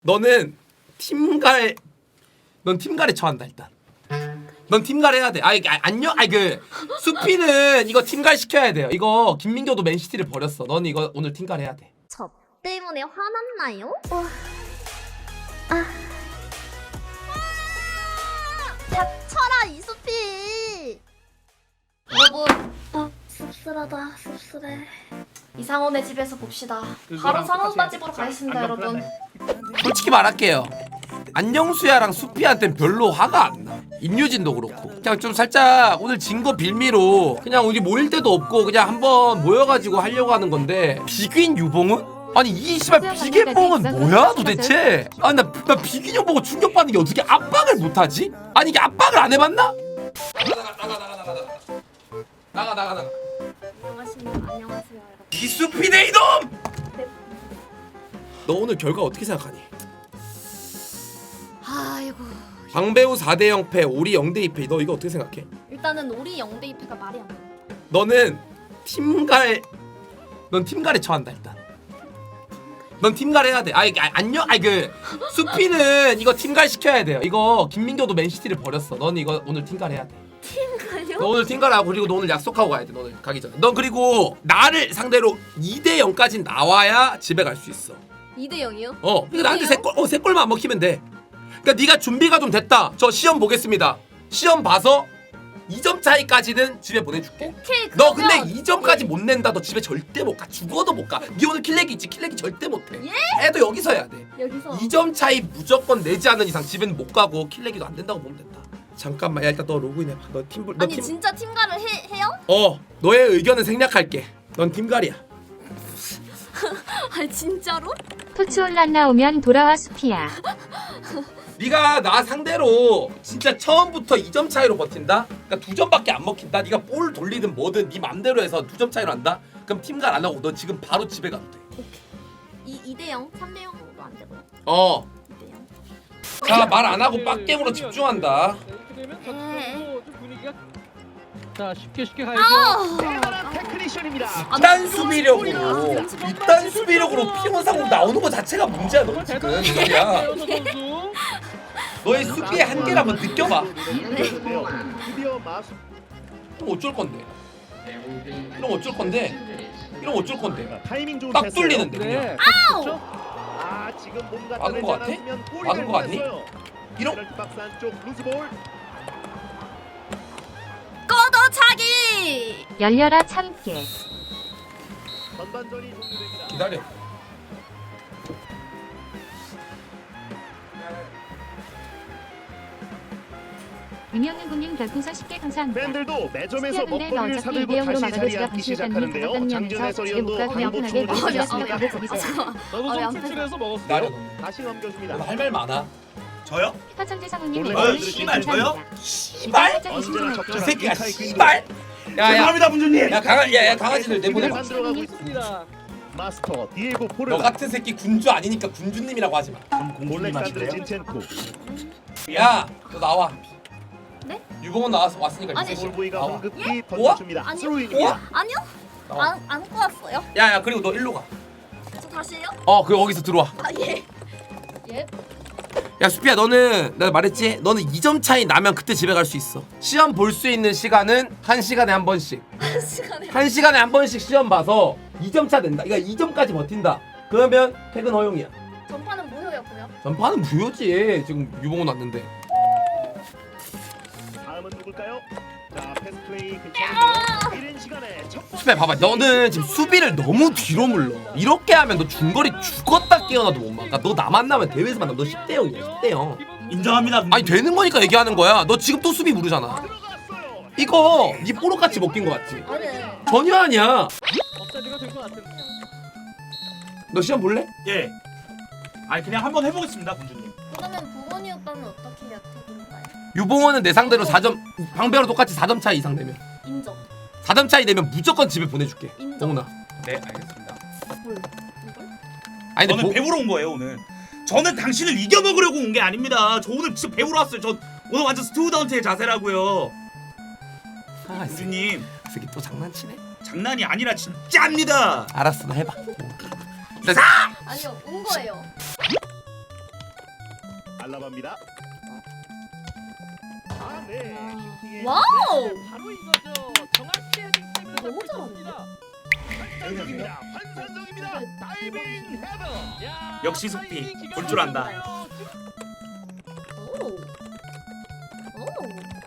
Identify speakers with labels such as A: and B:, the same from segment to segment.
A: 너는 팀갈, 넌 팀갈에 처한다 일단. 넌 팀갈 해야 돼. 안녕. 수피는 이거 팀갈 시켜야 돼요. 이거 김민교도 맨시티를 버렸어. 넌 이거 오늘 팀갈 해야 돼.
B: 저 때문에 화났나요? 닥쳐라 이수피.
C: 여러분,
B: 씁쓸하다 씁쓸해.
C: 이상원의 집에서 봅시다. 바로 상원빠 집으로 가겠습니다, 여러분.
A: 솔직히 말할게요. 안녕수야랑 수피한테는 별로 화가 안 나. 임유진도 그렇고. 그냥 좀 살짝 오늘 진 거 빌미로 그냥 우리 모일 데도 없고 그냥 한번 모여가지고 하려고 하는 건데 비긴 유봉은? 아니 이 씨발 비계뽕은 뭐야 도대체? 아니 나 비긴 형 보고 충격받는 게 어떻게 압박을 못하지? 아니 이게 압박을 안 해봤나? 나가.
B: 안녕하십니까. 안녕하세요 여러분.
A: 이 수피네 이놈! 너 오늘 결과 어떻게 생각하니?
B: 아이고.
A: 방배우 4대 0패, 오리 0대 2패. 너 이거 어떻게 생각해?
B: 일단은 우리 0대 2패가 말이 안 돼.
A: 너는 팀갈, 넌 팀갈에 처한다 일단. 넌 팀갈 해야 돼. 안녕. 수피는 이거 팀갈 시켜야 돼요. 이거 김민교도 맨시티를 버렸어. 넌 이거 오늘 팀갈 해야 돼.
B: 팀가요?
A: 너 오늘 팀갈하고 그리고 너 오늘 약속하고 가야 돼. 너 오늘 가기 전에. 넌 그리고 나를 상대로 2대 0까지 나와야 집에 갈 수 있어.
B: 2대 0이요?
A: 그러니까 나한테 세 골만 안 먹히면 돼. 그러니까 네가 준비가 좀 됐다. 저 시험 보겠습니다. 시험 봐서 2점 차이까지는 집에 보내줄게.
B: 오케이.
A: 너 근데
B: 그러면
A: 2점까지 못 낸다. 너 집에 절대 못 가. 죽어도 못 가. 네 오늘 킬렉이 있지. 킬렉이 절대 못 해. 애도 여기서 해야 돼.
B: 여기서
A: 2점 차이 무조건 내지 않는 이상 집에는 못 가고 킬렉이도 안 된다고 보면 된다. 잠깐만. 야 일단 너 로그인해 봐. 너 팀불 너
B: 아니
A: 팀
B: 진짜 팀가를 해요?
A: 너의 의견은 생략할게. 넌 팀갈이야.
B: 아니 진짜로?
D: 토치올란 나오면 돌아와 수피야.
A: 네가 나 상대로 진짜 처음부터 2점 차이로 버틴다? 그러니까 2점밖에 안 먹힌다? 네가 볼 돌리든 뭐든 네 맘대로 해서 2점 차이로 한다? 그럼 팀갈 안 하고 너 지금 바로 집에 가도 돼.
B: 2대 0? 3대 0도 안 되고요. 2대 0.
A: 자, 말 안 하고 빡겜으로 집중한다.
E: 이렇게 되면
B: 네.
E: 좀 분위기가 자 쉽게 가야죠.
A: 이딴 수비력으로 이딴 수비력으로 피곤상으로 나오는 거 자체가 문제야 너 지금. 야, 너의 수비의 한계를 한번 느껴봐. 그럼 어쩔 건데? 이러면 어쩔 건데? 이러면 어쩔 건데?
F: 타이밍 좋은
A: 딱
F: 패스예요.
A: 뚫리는데 그냥.
E: 네.
F: 아, 지금 뭔가
A: 막은 거 같아?
F: 않았으면 골이
A: 막은 거 같니?
F: 뻔했어요.
A: 이런
F: 페널티 박스 안쪽 루즈볼.
B: 꺼더차기.
D: 열려라 참깨.
F: 전반전이 종료됩니다.
A: 기다려.
D: 유명한 국민 별풍선 10개 감사합니다.
F: 팬들도 매점에서
D: 수피야 근데 너
F: 먹거리를
D: 어차피
F: 사들고
D: 2대 0으로
F: 다시
D: 막아도
F: 자리에
D: 지가
F: 앉기
D: 분실했다니
F: 시작하는데요.
D: 받았다면서
F: 장준
D: 집에
F: 해설위원도
D: 못 가고 그냥
F: 광고
D: 편하게
F: 충분히
D: 얘기했으니까
F: 하셨습니다.
D: 그거 거기서
B: 잠깐만.
E: 나도
B: 어려
E: 좀
B: 안
E: 출출해서 먹었어요.
A: 기다려.
F: 다시 넘겨줍니다.
A: 너 할 말 많아.
G: 저요?
D: 피파천재 상우님
F: 원래
D: 이거는
F: 씨발,
G: 저요?
A: 씨발?
D: 살짝
F: 언제나
D: 의심좀
F: 적절한
A: 이 새끼가
F: 빅하이 퀸.
A: 씨발? 야야.
G: 죄송합니다 분주님.
A: 야 강아지들 내보내봐.
F: 안 들어가고 있습니다.
E: 있습니다.
F: 마스터 디에고
A: 너
F: 포르라.
A: 같은 새끼 군주 아니니까 군주님이라고 하지 마.
G: 공주님
F: 몰렉산드르
G: 하실래요?
F: 진첸코.
A: 야, 너 나와.
B: 네?
A: 유봉은 나와서 왔으니까
B: 아니,
A: 이제
F: 볼보이가
A: 나와.
F: 황급히
A: 우와?
F: 던져줍니다.
B: 아니,
F: 스루인입니다.
B: 아니요?
A: 나와.
B: 안 꼬았어요?
A: 야야 그리고 너 일로 가.
B: 저 다시요?
A: 그 거기서 들어와.
B: 아 예. 예?
A: 야 수피야 너는 내가 말했지? 너는 2점 차이 나면 그때 집에 갈 수 있어. 시험 볼 수 있는 시간은 1시간에 한 번씩.
B: 한 시간에
A: 1시간에 한 번씩 시험 봐서 2점 차 된다. 그러니까 2점까지 버틴다. 그러면 퇴근 허용이야.
B: 전파는 무효였고요.
A: 전파는 무효지. 지금 유봉은 왔는데.
F: 다음은 누굴까요? 자, 패스 플레이 괜찮은데요. 이른 시간에 첫 번째
A: 수피야 봐봐. 너는 지금 수비를 너무 뒤로 물러. 이렇게 하면 너 중거리 죽었다 깨어나도 못 막아. 너 나 만나면 대회에서 만나면 너 10대 0이야. 10대 0.
G: 인정합니다.
A: 아니 되는 거니까 얘기하는 거야. 너 지금 또 수비 무르잖아.
F: 들어갔어요.
A: 이거 네 뽀록같이 먹긴 거 같지?
B: 아니.
A: 전혀 아니야.
E: 업사비가 될 것 같은.
A: 너 시험 볼래?
G: 예. 아니 그냥 한번 해보겠습니다 군주님.
B: 그러면 부건이 오빠는 어떻게 해야 되는가요?
A: 유봉원은 내 상대로 4점, 방배랑 똑같이 4점 차이 이상 되면
B: 인정.
A: 4점 차이 되면 무조건 집에 보내줄게.
B: 인정.
A: 동훈아.
G: 네 알겠습니다.
B: 뭘? 이걸?
A: 아니 근데
G: 저는 배우러 온 거예요 오늘. 저는 당신을 이겨 먹으려고 온 게 아닙니다. 저 오늘 진짜 배우러 왔어요. 저 오늘 완전 스튜던트의 자세라고요.
A: 아, 이 새끼,
G: 군주님
A: 이 새끼 또 장난치네.
G: 장난이 아니라 진짜입니다.
A: 알았어, 너 해봐.
B: 아니요, 온 거예요.
F: 알라바입니다. 아, 네. 슈팅에
C: 와우.
E: 바로 이거죠. 정확히 헤딩 때문에
C: 너무
E: 잡혔습니다.
F: 환상적입니다. 환상적입니다. 다이빙 헤더.
E: 야,
G: 역시 소피 볼 줄 안다.
C: 오. 오.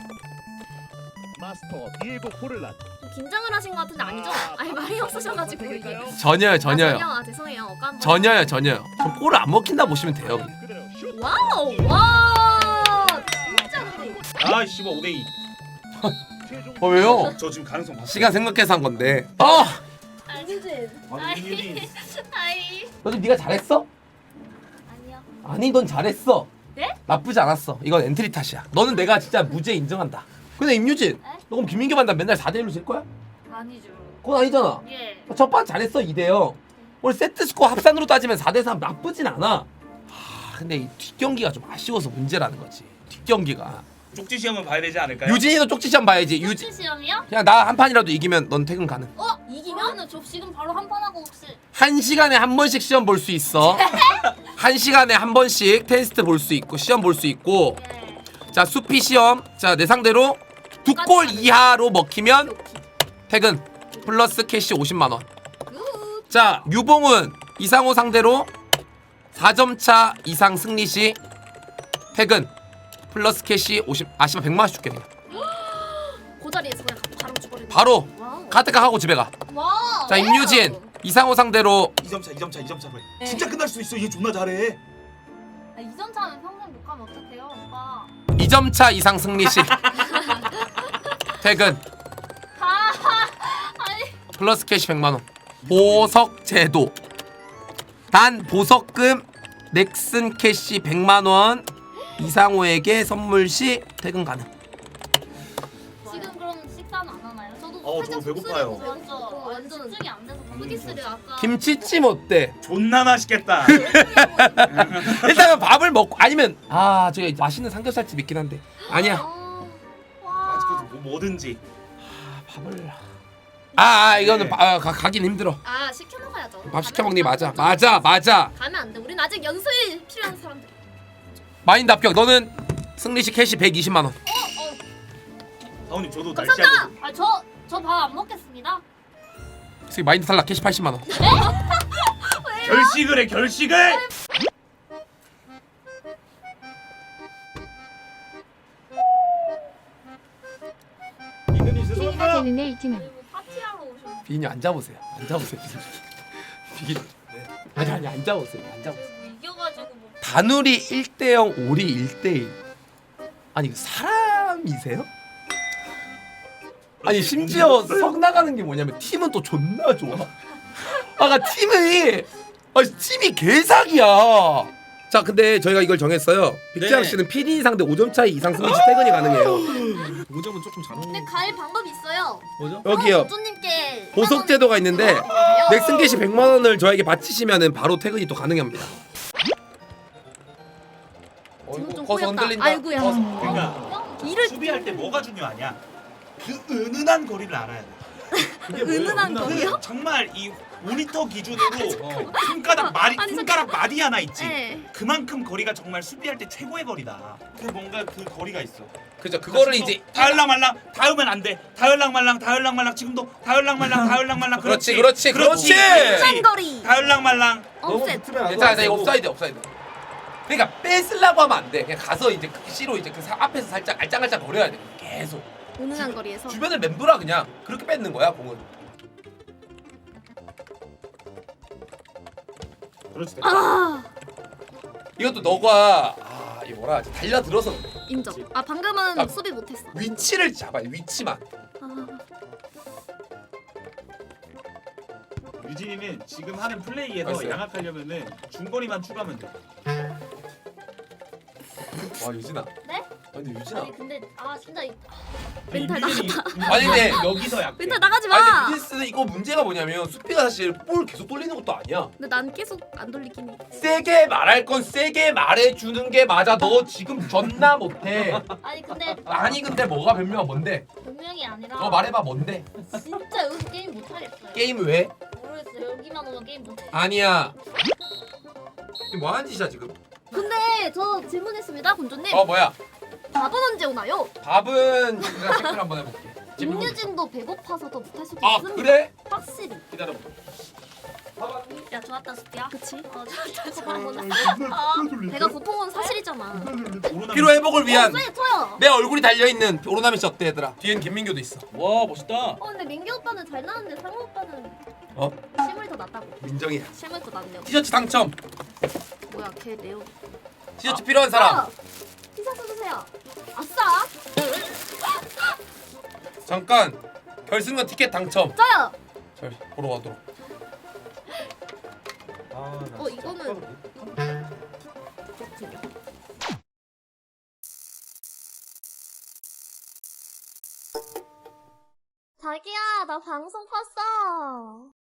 F: 마스터 디에고 포를란.
B: 좀 긴장을 하신 것 같은데 아니죠? 아니 말이 없으셔가지고 이게.
A: 전혀요, 전혀요.
B: 아, 죄송해요. 어까 한번.
A: 전혀요, 전혀요. 저 골을 안 먹힌다 보시면 돼요.
F: 그대로 슛.
B: 와우. 와. 진짜 근데.
G: 아 씨발 5대2.
F: 최종
A: 왜요?
G: 저 지금 가능성 봤어.
A: 시간 생각해서 한 건데.
B: 유진.
G: 아니 이유진.
B: 아이.
A: 너도 네가 잘했어?
B: 아니요.
A: 아니, 넌 잘했어.
B: 네?
A: 나쁘지 않았어. 이건 엔트리 탓이야. 너는 내가 진짜 무죄 인정한다. 근데 임유진, 너 그럼 김민규 반다 맨날 4대1로 질 거야?
B: 아니죠.
A: 그건 아니잖아.
B: 예.
A: 첫 판 잘했어 2대0. 오늘 세트 스코어 합산으로 따지면 4대3 나쁘진 않아. 근데 이 뒷경기가 좀 아쉬워서 문제라는 거지. 뒷경기가.
G: 쪽지 시험은 봐야 되지 않을까요?
A: 유진이도 쪽지 시험 봐야지.
B: 유진 시험이요?
A: 그냥 나 한 판이라도 이기면 넌 퇴근 가능.
B: 이기면은 저 지금 바로 한 판 하고 혹시
A: 1시간에 한 번씩 시험 볼 수 있어. 1시간에 한 번씩 테스트 볼 수 있고 시험 볼 수 있고.
B: 예.
A: 자, 수피 시험. 자, 내 상대로 2골 이하로 먹히면 퇴근. 플러스 캐시 50만 원. 자, 유봉은 이상호 상대로 4점 차 이상 승리 시 퇴근. 플러스 캐시 50. 씨발 100만 원씩 줄게 그냥.
B: 그 자리에서 그냥 바로 죽어버리고.
A: 바로
B: 와우.
A: 카드값 하고 집에 가.
B: 와우.
A: 자, 임유진 이상호 상대로
G: 2점 차로 해.
B: 네.
G: 진짜 끝날 수도 있어. 얘 존나 잘해.
B: 아, 2점 차면 평생 못 가면 어떡해요, 오빠?
A: 2점 차 이상 승리 시 퇴근.
B: 아니.
A: 플러스 캐시 100만 원. 보석 제도. 단 보석금 넥슨 캐시 100만 원 이상호에게 선물 시 퇴근 가능.
B: 지금 그럼 식사는 안 하나요? 저도
G: 저 배고파요.
B: 완전 집중이 안 돼서 서비스를 아까
A: 김치찜 어때?
G: 존나 맛있겠다.
A: 일단은 밥을 먹고 아니면 저기 맛있는 삼겹살집 있긴 한데 아니야.
B: 와.
G: 뭐든지.
A: 밥을 이거는 가긴 힘들어.
B: 시켜 먹어야죠.
A: 밥 시켜 먹니 맞아. 맞아.
B: 가면 안 돼. 우린 아직 연습이 필요한 사람들.
A: 마인드 합격. 너는 승리 시 캐시 120만 원.
G: 사원님 저도
B: 감사합니다. 저 밥 안 먹겠습니다.
A: 마인드 탈락 캐시 80만 원.
G: 결식을 해 결식을. 이근님
D: 승리가
G: 죄송합니다.
D: 되는 애 이팀은
B: 파티하러 오셨는데
A: 비니 앉아보세요. 비니. 아니 앉아보세요.
B: 이겨가지고 뭐.
A: 다누리 1대0 오리 1대1. 아니 이거 사람이세요? 아니 심지어 석 나가는 게 뭐냐면 팀은 또 존나 좋아. 팀이 개사기야. 자, 근데 저희가 이걸 정했어요. 빅장 씨는 PD 상대 5점 차이 이상 승리 시 퇴근이 가능해요.
H: 5점은 조금 잘
B: 근데 갈 방법이 있어요.
H: 뭐죠?
A: 여기요.
B: 조님께
A: 보석 제도가 있는데 넥슨 캐시 100만 원을 저에게 바치시면은 바로 퇴근이 또 가능합니다.
B: 지금 좀
A: 거서
B: 꼬였다.
A: 흔들린다.
B: 아이고야.
G: 그러니까
B: 일을
G: 수비할 때 뭐가 중요하냐? 그 은은한 거리를 알아야 돼.
B: 은은한 거요?
G: 정말 이 모니터 기준으로 손가락 마디 하나 있지.
B: 네.
G: 그만큼 거리가 정말 수비할 때 최고의 거리다. 그 뭔가 그 거리가 있어.
A: 그죠. 그거를 이제
G: 다을랑말랑 닿으면 안 돼. 다을랑말랑 지금도 다을랑말랑
A: 그렇지.
B: 한거리.
G: 다을랑말랑.
B: 업셋.
A: 괜찮아. 이거 옵사이드. 그러니까 뺏으려고 하면 안 돼. 그냥 가서 이제 그 C로 이제 앞에서 살짝 알짱알짱 거려야 돼. 계속.
B: 은은한 거리에서.
A: 주변을 맴돌아 그냥. 그렇게 뺏는 거야 공은.
G: 그렇지.
A: 이것도 너가 이거 뭐라 하지? 달려들어서 그래.
B: 인정. 방금은
A: 아,
B: 수비 못했어.
A: 위치를 잡아야 돼. 위치만.
G: 유진이는 지금 하는 플레이에서
A: 알았어요.
G: 양악하려면은 중거리만 추가하면 돼.
A: 와 유진아.
B: 네?
A: 아니 유진아.
B: 아니 근데 진짜 멘탈 나갔다.
A: 아니 근데
G: 여기서 약해.
B: 멘탈 나가지
A: 아니
B: 마.
A: 근데 유진스는 이거 문제가 뭐냐면 수비가 사실 볼 계속 돌리는 것도 아니야.
B: 근데 난 계속 안 돌리긴 해.
A: 세게 말할 건 세게 말해주는 게 맞아. 너 지금 존나 못해.
B: 아니 근데
A: 아니 근데 뭐가 변명이 뭔데?
B: 분명히 아니라.
A: 너 말해봐 뭔데?
B: 진짜 여기서 게임 못 하겠어요.
A: 게임 왜?
B: 모르겠어요. 여기만 오면 게임 못 해.
A: 아니야. 이게 뭐하는 짓이야 지금?
B: 근데 저 질문했습니다, 군주님.
A: 뭐야?
B: 밥은 언제 오나요?
A: 밥은 제가 체크를 한번 해볼게.
B: 김유진도 배고파서 더 못할 수도
A: 아
B: 있습니다.
A: 그래?
B: 확실히.
A: 기다려봐.
C: 야 좋았다 수피야.
B: 그치?
C: 좋았다
B: 배가 고통은 사실이잖아.
A: 피로 회복을 위한
B: 네, 저요.
A: 내 얼굴이 달려있는 오로나미 씨 어때 얘들아? 뒤엔 김민규도 있어.
G: 와 멋있다.
B: 근데 민규 오빠는 잘 나왔는데 상우 오빠는
A: 어?
B: 실물이 더 낫다고.
A: 민정이야.
B: 실물이 더 낫네요.
A: 티셔츠 당첨.
B: 뭐야, 걔 네오.
A: 티셔츠 필요한 사람.
B: 티셔츠 주세요. 아싸.
A: 잠깐. 결승전 티켓 당첨.
B: 저요.
A: 자 보러 가도록.
B: 이거는 자기야, 나 방송 봤어.